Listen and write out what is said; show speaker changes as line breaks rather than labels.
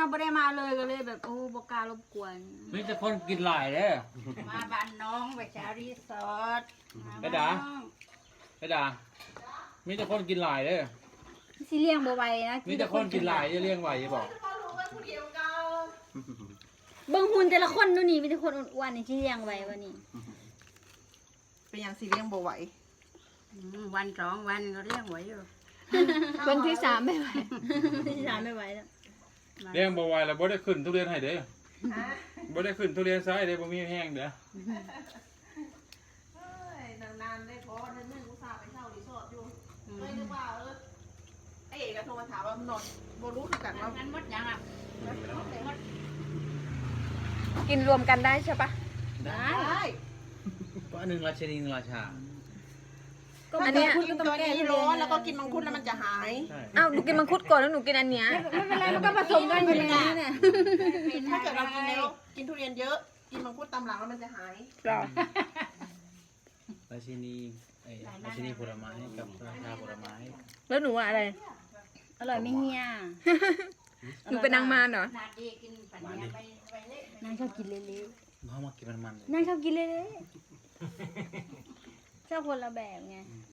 เราไม่ได้มาเลยก็เลยแบบโอ้บกล้ารบกวน
มีแต่คนกินหลายเด้อ
มาบ้านน้องไปเช้ารีสอร์ท
ไปด่า ไปด่ามีแต่คนกินหลายเด้อ
สิเลี้ยงบ่ไหวนะ
มีแต่คนกินหลายจะเลี้ยงไหวจะบอก
เบิ่งหุ่นแต่ละคนดูนี่มีแต่คนอ้วนๆนี่สิเลี้ยงไหวบ่นี่
เป็นอย่างซีเรียงบ่ไหว
วันสองวันก็เลี้ยงไหวอยู่
วันที่สามไม่ไหว
วันที่สามไม่ไหวแล้ว
เลี้ยงบ่ไหวแล้วบ่ได้ขึ้นทุเรียนให้เด้อบ่ได้ขึ้นทุเรียนซ้ายเด้อบ่มีแห้งเด้อ
เฮ้ยนานๆได้พอเดือนนึงอุตส่าห์ไปเช่ารีสอร์ทอยู่เลยนึกว่าไอ้เอกก็โทรมาถามว่านอนบ่รู้คือกันว่า
งั้นหมดยังอ่ะ
กินรวมกันได้ใช่ปะ
ได้
ได้
ก็อันหนึงราชินีหนึ่งราชา
อันเนี้ยกินตัวนี้ร้อนแล้วก็กินมังคุดแล้วมันจะหาย
ใช่
อ้าวหนูกินมังคุดก่อนแล้วหนูกินอันเนี้ย
ไม่เป็นไรมันก็ผสมกันอยู่ในนี้เนี่ย
ถ้าเกิดเรากินแล้วกินทุเรียนเยอะ กินมังคุดตามหลังแล้วมันจะหาย
ราชินีราชินีผลไม้กับราชาผลไม้
แล้วหนูอะอะไร
อร่อยไหม่เฮีย
หนูเป็นนางมารเหรอ
นาดีกินปัญญาไปเละนางชอบกินเละ
เขามากินมันๆเลย
ๆนางชอบกินเละๆชอบคนละแบบไง